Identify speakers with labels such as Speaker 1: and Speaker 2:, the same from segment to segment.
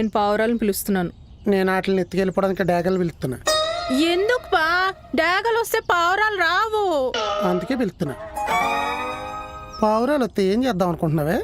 Speaker 1: నేను పావురాలను పిలుస్తున్నాను.
Speaker 2: నేను వాటిని ఎత్తుకెళ్ళిపోవడానికి డాగలు పిలుస్తున్నా.
Speaker 1: ఎందుకు పా? డాగలు వస్తే పావురాలు రావు.
Speaker 2: అందుకే పిలుస్తున్నా. పావురాలు వస్తే ఏం చేద్దాం అనుకుంటున్నావే?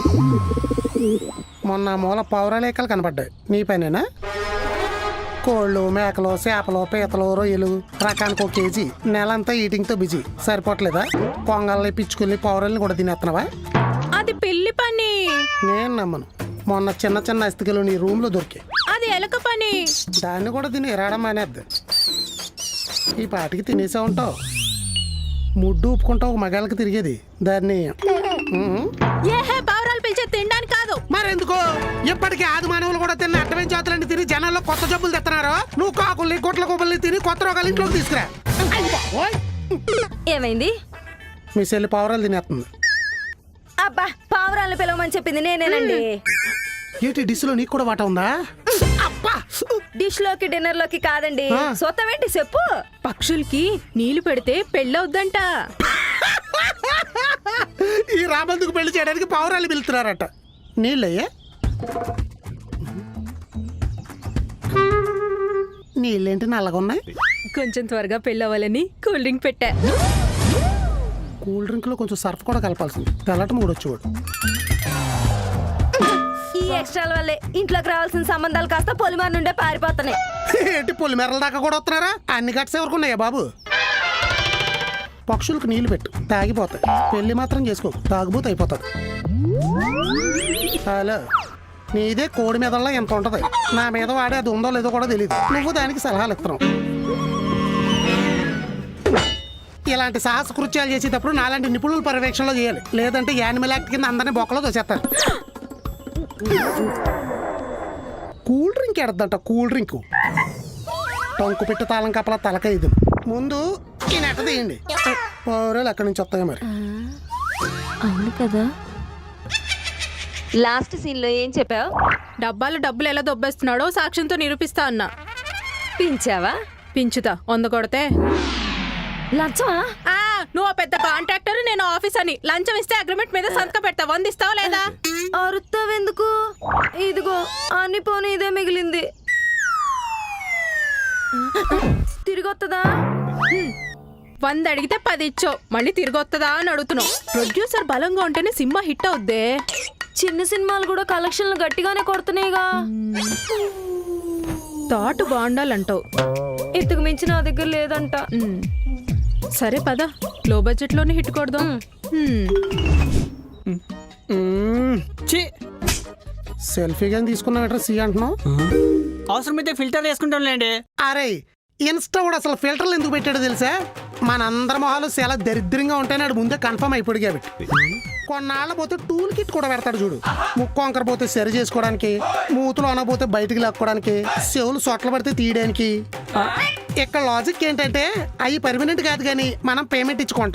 Speaker 2: మొన్న మూల పావురాలేకలు కనపడ్డాయి. నీ పనేనా? కోళ్ళు, మేకలు, చేపలు, పీతలు, రొయ్యలు రకానికి 1 కేజీ. నెలంతా ఈటింగ్తో బిజీ. సరిపోవట్లేదా? పొంగల్ని, పిచ్చుకుల్ని, పావురాలని కూడా తినేస్తున్నావా?
Speaker 1: అది పిల్లి పని.
Speaker 2: నేను నమ్మను. మొన్న చిన్న చిన్న అస్థికలు నీ రూమ్లో దొరికాయి.
Speaker 1: అది ఎలక పని.
Speaker 2: దాన్ని కూడా తిని ఎరాడం మానేద్ది. ఈ పాటికి తినేసే ఉంటావు. ముడ్డు ఊపుకుంటావు మగాళ్ళకి తిరిగేది. దాన్ని
Speaker 1: ఏహే, పావురాలు పిలిచే తినడానికి కాదు.
Speaker 2: మరెందుకో? ఇప్పటికీ ఆది మానవులు కూడా తిన్న అడ్డమైన జాతులన్నీ తిని జనాల్లో కొత్త జబ్బులు తెస్తున్నారు. నువ్వు కాకుల్ని, గుట్ల గుబ్బల్ని తిని కొత్త రోగాలు ఇంట్లోకి తీసుకురా.
Speaker 3: ఏమైంది?
Speaker 2: మీ చెల్లి పావురాలు తినేస్తుంది.
Speaker 3: అబ్బా, పావురాలను పిలవమని చెప్పింది నేనేనండి.
Speaker 2: ఏంటి డిష్లో నీకు కూడా వాట ఉందా?
Speaker 3: డిష్ లోకి డిన్నర్ లోకి కాదండి. సొత్తమేంటి చెప్పు.
Speaker 1: పక్షులకి నీళ్లు పెడితే పెళ్ళవుద్దంట.
Speaker 2: ఈ రాబందుకు పెళ్లి చేయడానికి పావురాలు పిలుస్తున్నారట. నీళ్ళయ్యే? నీళ్ళేంటి నల్లగా ఉన్నాయి?
Speaker 1: కొంచెం త్వరగా పెళ్ళవ్వాలని కూల్ డ్రింక్ పెట్టా.
Speaker 2: కూల్ డ్రింక్ లో కొంచెం సర్ఫ్ కూడా కలపాల్సింది. తెల్లటం కూడా వచ్చేవాడు.
Speaker 3: ఈ ఎక్స్ట్రాల వల్లే ఇంట్లోకి రావాల్సిన సంబంధాలు కాస్త పొలిమార్ నుండే పారిపోతున్నాయి.
Speaker 2: ఏంటి పొలిమేరల దాకా కూడా వస్తున్నారా? అన్ని గట్స్ ఎవరుకున్నాయా బాబు? పక్షులకు నీళ్లు పెట్టు, తాగిపోతాయి. పెళ్లి మాత్రం చేసుకో, తాగుబోతు అయిపోతుంది. హలో, నీదే కోడి మీదల్లా ఎంత ఉంటది. నా మీద వాడే అది ఉందో లేదో కూడా తెలియదు. నువ్వు దానికి సలహాలు ఇస్తున్నావు. ఇలాంటి సాహస కృత్యాలు చేసేటప్పుడు నాలాంటి నిపుణుల పర్యవేక్షణలో చేయాలి. లేదంటే యానిమల్ యాక్ట్ కింద అందరినీ బొక్కలో దోసేస్తారు. కూల్ డ్రింక్ ఎడద్దంట. కూల్ డ్రింక్ టొంకు పెట్టి తాళం కప్పలా తలకైదు. ముందు ఈ నెట తీయండి. పౌరాలు ఎక్కడి నుంచి వస్తాయో మరి.
Speaker 3: అవును కదా. లాస్ట్ సీన్ లో ఏం చెప్పావు?
Speaker 1: డబ్బాలు డబ్బులు ఎలా దొబ్బేస్తున్నాడో సాక్ష్యంతో నిరూపిస్తా అన్నా.
Speaker 3: పించావా?
Speaker 1: పించుతా 100 కొడితే.
Speaker 3: లంచమా?
Speaker 1: నువ్వు పెద్ద కాంట్రాక్టర్, నేను ఆఫీస్ అని. లంచం ఇస్తే అగ్రిమెంట్ మీద సంతకం పెడతా. 100 ఇస్తావా లేదా?
Speaker 3: అరుస్తావెందుకు? ఇదిగో అన్ని పోనీ ఇదే మిగిలింది. తిరిగి వస్తుందా?
Speaker 1: 100 అడిగితే 10 ఇచ్చావు. మళ్ళీ తిరిగి వస్తుందా అని అడుగుతున్నావు. ప్రొడ్యూసర్ బలంగా ఉంటేనే సినిమా హిట్ అవుద్దే.
Speaker 3: చిన్న సినిమాలు కూడా కలెక్షన్లు గట్టిగానే కొడుతున్నాయిగా.
Speaker 1: థాట్ బాగుండాలంటావు.
Speaker 3: ఇంతకు మించి నా దగ్గర లేదంట.
Speaker 1: సరే పద, లో బడ్జెట్ లోనే హిట్ కొడదాం.
Speaker 2: సెల్ఫీ కానీ తీసుకున్నావు సి అంటున్నావు.
Speaker 4: అవసరమైతే ఫిల్టర్ వేసుకుంటాంలేండి.
Speaker 2: అరే, ఇన్స్టా కూడా అసలు ఫిల్టర్లు ఎందుకు పెట్టాడో తెలుసా? మనందరి మొహాలు చాలా దరిద్రంగా ఉంటాయని ఆడు ముందే కన్ఫర్మ్ అయిపోయి కాబట్టి. కొన్నాళ్ళ పోతే టూల్ కిట్ కూడా పెడతాడు చూడు. ముక్కు వంకర పోతే సరి చేసుకోవడానికి, మూతులు అనబోతే బయటికి లాక్కోవడానికి, చెవులు సొట్ల పడితే తీయడానికి. ఇక్కడ లాజిక్ ఏంటంటే అవి పర్మనెంట్ కాదు కానీ మనం పేమెంట్ ఇచ్చుకుంటాం.